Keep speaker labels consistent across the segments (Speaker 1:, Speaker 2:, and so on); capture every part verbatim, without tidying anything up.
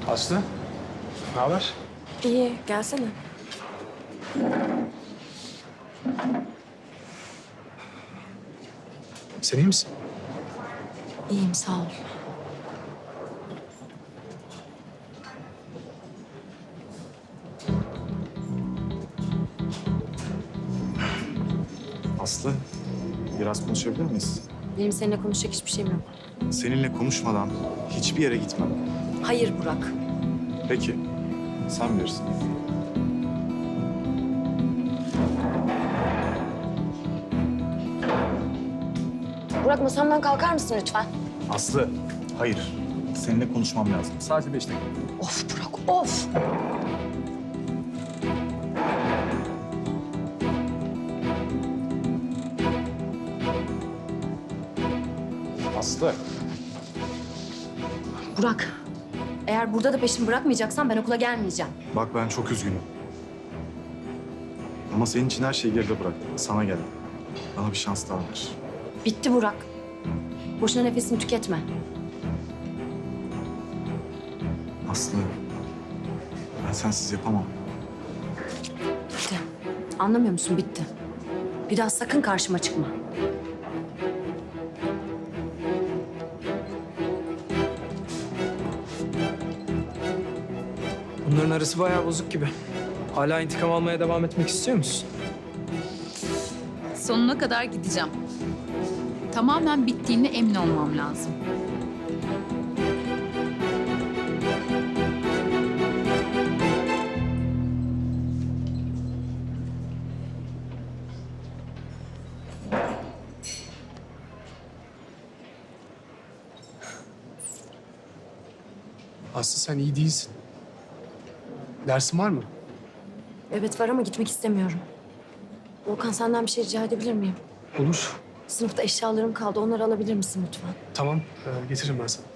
Speaker 1: Aslı, ne haber?
Speaker 2: İyi, gelsene.
Speaker 1: Sen iyi misin?
Speaker 2: İyiyim, sağ ol.
Speaker 3: Aslı, biraz konuşabilir miyiz?
Speaker 2: Benim seninle konuşacak hiçbir şeyim yok.
Speaker 3: Seninle konuşmadan hiçbir yere gitmem.
Speaker 2: Hayır Burak.
Speaker 3: Peki, sen bilirsin.
Speaker 2: Burak, masamdan kalkar mısın lütfen?
Speaker 3: Aslı, hayır. Seninle konuşmam lazım. Sadece beş dakika.
Speaker 2: Of Burak, of!
Speaker 3: Aslı.
Speaker 2: Burak, eğer burada da peşimi bırakmayacaksan ben okula gelmeyeceğim.
Speaker 3: Bak ben çok üzgünüm. Ama senin için her şeyi geride bıraktım. Sana geldim. Bana bir şans daha ver.
Speaker 2: Bitti Burak. Boşuna nefesini tüketme.
Speaker 3: Aslı, ben sensiz yapamam.
Speaker 2: Bitti. Anlamıyor musun? Bitti. Bir daha sakın karşıma çıkma.
Speaker 1: Bunların arası bayağı bozuk gibi. Hala intikam almaya devam etmek istiyor musun?
Speaker 4: Sonuna kadar gideceğim. Tamamen bittiğine emin olmam lazım.
Speaker 1: Aslı sen iyi değilsin. Dersin var mı?
Speaker 2: Evet var ama gitmek istemiyorum. Volkan, senden bir şey rica edebilir miyim?
Speaker 1: Olur.
Speaker 2: Sınıfta eşyalarım kaldı. Onları alabilir misin lütfen?
Speaker 1: Tamam, ee, getiririm ben sana.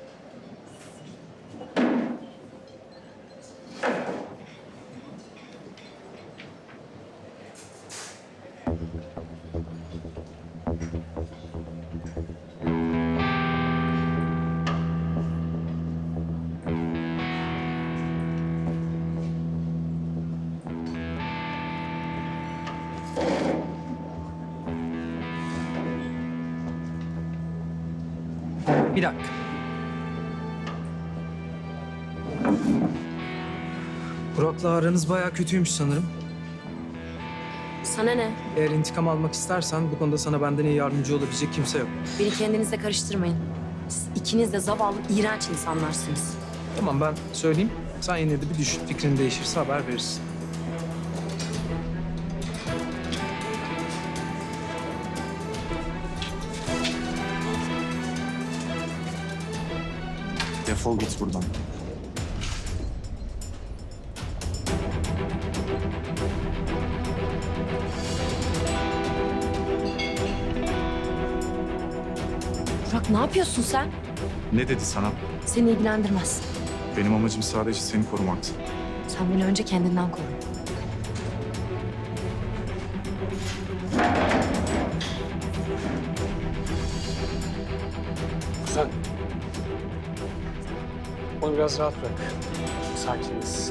Speaker 1: Bir dakika. Burak'la aranız bayağı kötüymüş sanırım.
Speaker 2: Sana ne?
Speaker 1: Eğer intikam almak istersen bu konuda sana benden iyi yardımcı olabilecek kimse yok.
Speaker 2: Beni kendinizle karıştırmayın. Siz ikiniz de zavallı, iğrenç insanlarsınız.
Speaker 1: Tamam ben söyleyeyim. Sen yine de bir düşün. Fikrin değişirse haber verirsin.
Speaker 3: Defol git buradan.
Speaker 2: Burak, ne yapıyorsun sen?
Speaker 3: Ne dedi sana?
Speaker 2: Seni ilgilendirmez.
Speaker 3: Benim amacım sadece seni korumaktı.
Speaker 2: Sen beni önce kendinden koru.
Speaker 1: Sen. Onu biraz rahat bırak. Sakiniz.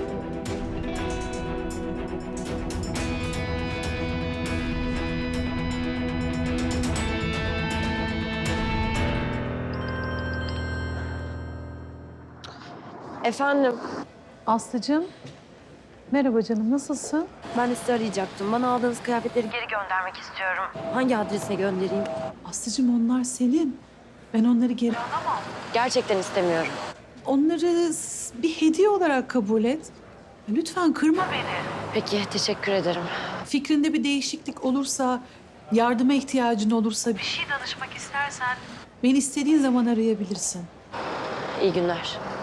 Speaker 2: Efendim,
Speaker 5: Aslıcığım, merhaba canım, nasılsın?
Speaker 2: ben de sizi arayacaktım. Bana aldığınız kıyafetleri geri göndermek istiyorum. Hangi adrese göndereyim?
Speaker 5: Aslıcığım onlar senin. Ben onları geri...
Speaker 2: Gerçekten istemiyorum.
Speaker 5: Onları s- bir hediye olarak kabul et. Lütfen kırma beni.
Speaker 2: Peki, teşekkür ederim.
Speaker 5: Fikrinde bir değişiklik olursa, yardıma ihtiyacın olursa... Bir şey danışmak istersen... Beni istediğin zaman arayabilirsin.
Speaker 2: İyi günler.